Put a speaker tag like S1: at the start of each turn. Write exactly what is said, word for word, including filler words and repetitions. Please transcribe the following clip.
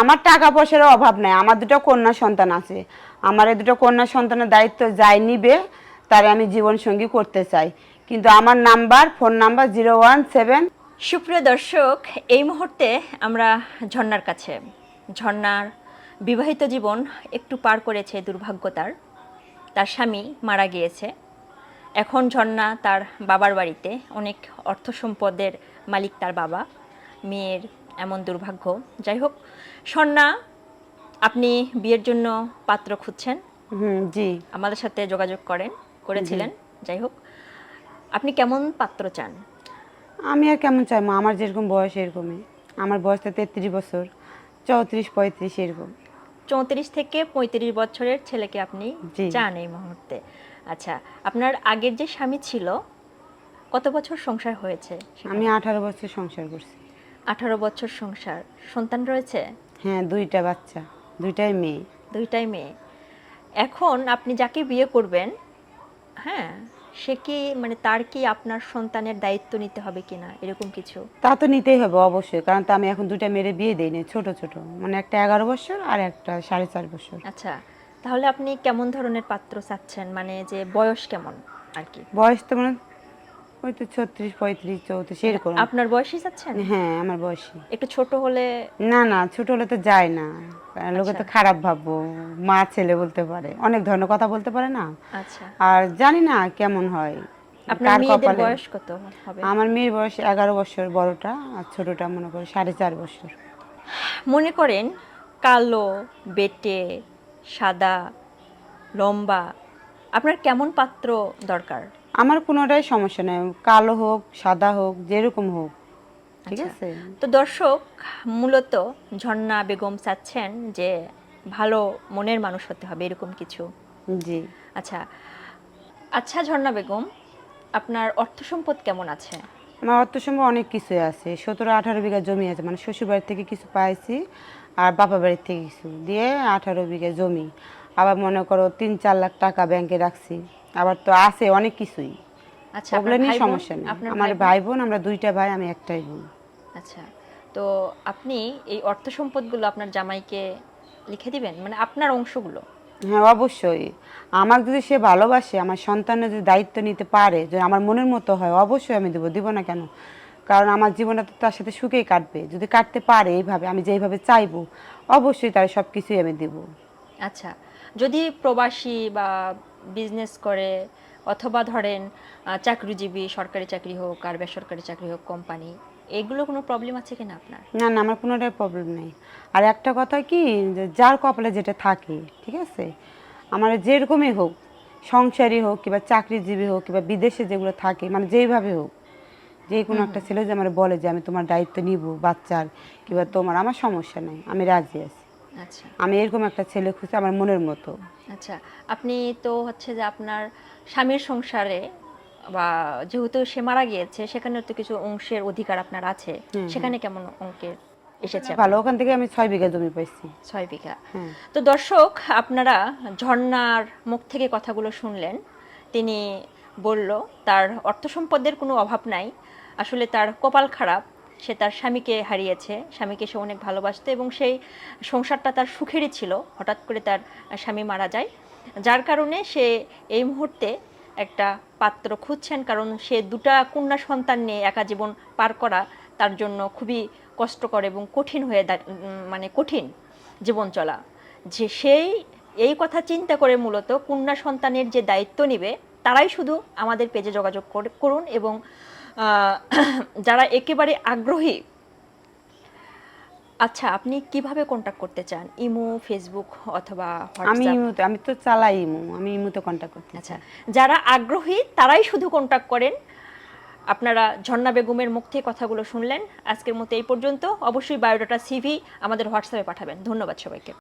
S1: আমার টাকা পয়সার অভাব নাই, আমার দুটো কন্যা সন্তান আছে। আমার এই দুটো কন্যা সন্তানের দায়িত্ব যাই নিবে তারে আমি জীবন সঙ্গী করতে চাই। কিন্তু আমার number phone number zero one seven.
S2: সুপ্রিয় দর্শক, এই মুহূর্তে আমরা ঝর্ণার কাছে। ঝর্ণার বিবাহিত জীবন একটু পার করেছে দুর্ভাগ্য তার। তার স্বামী মারা গিয়েছে। এখন ঝর্ণা তার বাবার বাড়িতে, অনেক অর্থ সম্পদের মালিক তার বাবা। মেয়ের এমন দুর্ভাগ্য। যাই হোক, ঝর্ণা, আপনি বিয়ের জন্য পাত্র খুঁজছেন,
S1: হুম, জি।
S2: আমাদের সাথে যোগাযোগ করেন করেছিলেন। যাই হোক, আপনি কেমন পাত্র চান?
S1: আমি আর কেমন চাইবো, আমার যেরকম বয়স এরকমই। আমার বয়স তো তেত্রিশ বছর, চৌত্রিশ পঁয়ত্রিশ এরকম।
S2: চৌত্রিশ থেকে পঁয়ত্রিশ বছরের ছেলেকে আপনি
S1: জি।
S2: চান এই মুহূর্তে। আচ্ছা, আপনার আগের যে স্বামী ছিল, কত বছর সংসার হয়েছে সেখানে?
S1: আমি আঠারো বছর সংসার করছি।
S2: আঠারো বছর সংসার। সন্তান রয়েছে?
S1: হ্যাঁ, দুইটা বাচ্চা, দুইটাই মেয়ে।
S2: দুইটাই মেয়ে। এখন আপনি যাকে বিয়ে করবেন, হ্যাঁ, সে কি, মানে তার কি আপনার সন্তানের দায়িত্ব নিতে হবে কিনা, এরকম কিছু?
S1: তা তো নিতেই হবে অবশ্যই, কারণ তো আমি এখন দুইটা মেয়ের বিয়ে দিই না, ছোট ছোট, মানে একটা এগারো বছর আর একটা সাড়ে চার বছর।
S2: আচ্ছা, তাহলে আপনি কেমন ধরনের পাত্র চাচ্ছেন, মানে যে বয়স কেমন আর কি?
S1: বয়স তো মানে ওই তো ছত্রিশ পঁয়ত্রিশ চৌত্রিশ এরকম।
S2: আপনার বয়সই চাচ্ছেন?
S1: হ্যাঁ, আমার বয়সী।
S2: একটু ছোট হলে?
S1: না না, ছোট হলে তো যায় না, কারণ লোকে তো
S2: আচ্ছা।
S1: খারাপ ভাববো, মা ছেলে বলতে পারে, অনেক ধরনের কথা বলতে পারে না।
S2: আচ্ছা,
S1: আর জানি না কেমন হয়,
S2: আপনার
S1: কার
S2: মেয়েদের
S1: কপালে।
S2: বয়স কত হবে?
S1: আমার মেয়ের বয়স এগারো বছর বড়টা, আর ছোটটা মনে করি সাড়ে চার বছর।
S2: মনে করেন কালো, বেটে, সাদা, লম্বা, আপনার কেমন পাত্র দরকার?
S1: আমার কোনোটাই সমস্যা নেই, কালো হোক সাদা হোক যেরকম হোক, ঠিক
S2: আচ্ছা,
S1: আছে।
S2: তো দর্শক, মূলত ঝর্ণা বেগম চাচ্ছেন যে ভালো মনের মানুষ হতে হবে, এরকম কিছু।
S1: জি।
S2: আচ্ছা আচ্ছা ঝর্ণা বেগম, আপনার অর্থ সম্পদ কেমন আছে?
S1: আমার অর্থ সম্ভব অনেক কিছুই আছে, সতেরো আঠারো বিঘা জমি আছে, মানে শ্বশুর বাড়ির থেকে কিছু পাইছি আর বাপা বাড়ির থেকে কিছু দিয়ে আঠারো বিঘা জমি। আবার মনে করো তিন চার লাখ টাকা ব্যাংকে রাখছি, আবার তো আছে অনেক কিছুই।
S2: আচ্ছা,
S1: ওগুলো
S2: আপনার
S1: নিয়ে
S2: ভাই বোন?
S1: সমস্যা নেই।
S2: আপনার
S1: আমার
S2: ভাই বোন?
S1: ভাই বোন, আমরা দুইটা ভাই, আমি একটাই বোন।
S2: আচ্ছা, তো আপনি এই অর্থ সম্পদগুলো আপনার জামাইকে লিখে দিবেন, মানে আপনার অংশগুলো?
S1: হ্যাঁ অবশ্যই, আমার যদি সে ভালোবাসে, আমার সন্তানের যদি দায়িত্ব নিতে পারে, যদি আমার মনের মতো হয়, অবশ্যই আমি দেবো, দিব না কেন। কারণ আমার জীবনটা তো তার সাথে সুখেই কাটবে, যদি কাটতে পারে এইভাবে, আমি যেইভাবে চাইবো, অবশ্যই তার সব কিছুই আমি দেবো।
S2: আচ্ছা, যদি প্রবাসী বা বিজনেস করে, অথবা ধরেন আহ, চাকরিজীবী, সরকারি চাকরি হোক আর বেসরকারি চাকরি হোক, কোম্পানি, এগুলো কোনো প্রবলেম আছে কিনা আপনার?
S1: না না, আমার কোনোটাই প্রবলেম নেই। আর একটা কথা কি, যে যার কপালে যেটা থাকে, ঠিক আছে, আমার যেরকমই হোক, সংসারী হোক কিংবা চাকরিজীবী হোক কিংবা বিদেশে যেগুলো থাকে, মানে যেইভাবে হোক, যে কোনো একটা ছেলে যে আমার বলে যে আমি তোমার দায়িত্ব নিব বাচ্চার কিংবা তোমার, আমার সমস্যা নেই, আমি রাজি আছি।
S2: আচ্ছা
S1: আমি এরকম একটা ছেলে খুঁজছি আমার মনের মতো।
S2: আচ্ছা, আপনি তো হচ্ছে যে আপনার স্বামীর সংসারে, বা যেহেতু সে মারা গিয়েছে, সেখানে তো কিছু অংশের অধিকার আপনার আছে,
S1: হুম,
S2: সেখানে কেমন অঙ্কের এসেছে
S1: ভালো,
S2: আপনার?
S1: ওখান থেকে আমি ছয় বিঘা জমি পাইছি।
S2: ছয় বিঘা।
S1: হ্যাঁ।
S2: তো দর্শক, আপনারা ঝর্ণার মুখ থেকে কথাগুলো শুনলেন। তিনি বলল তার অর্থ সম্পদের কোনো অভাব নাই, আসলে তার কপাল খারাপ, সে তার স্বামীকে হারিয়েছে। স্বামীকে সে অনেক ভালোবাসতো এবং সেই সংসারটা তার সুখেরই ছিল। হঠাৎ করে তার স্বামী মারা যায়, যার কারণে সে এই মুহূর্তে একটা পাত্র খুঁজছেন, কারণ সে দুটা কন্যা সন্তান নিয়ে একা জীবন পার করা তার জন্য খুবই কষ্টকর এবং কঠিন হয়ে দা- উম, মানে কঠিন জীবন চলা। যে সেই এই কথা চিন্তা করে মূলত কন্যা সন্তানের যে দায়িত্ব নেবে, তারাই শুধু আমাদের পেজে যোগাযোগ করে- করুন এবং আহ, যারা একেবারে আগ্রহী। আচ্ছা, আপনি কিভাবে কন্ট্যাক্ট করতে চান? ইমো, ফেসবুক অথবা
S1: আমি
S2: হোয়াটসঅ্যাপ?
S1: ইমুতে, আমি তো চালাই ইমু, আমি ইমুতে কন্ট্যাক্ট করতে
S2: আচ্ছা,
S1: চাই।
S2: যারা আগ্রহী তারাই শুধু কন্ট্যাক্ট করেন। আপনারা ঝর্ণা বেগমের মুখ থেকে কথাগুলো শুনলেন। আজকের মতো এই পর্যন্ত। অবশ্যই বায়োডাটা, সিভি আমাদের হোয়াটসঅ্যাপে পাঠাবেন। ধন্যবাদ সবাইকে।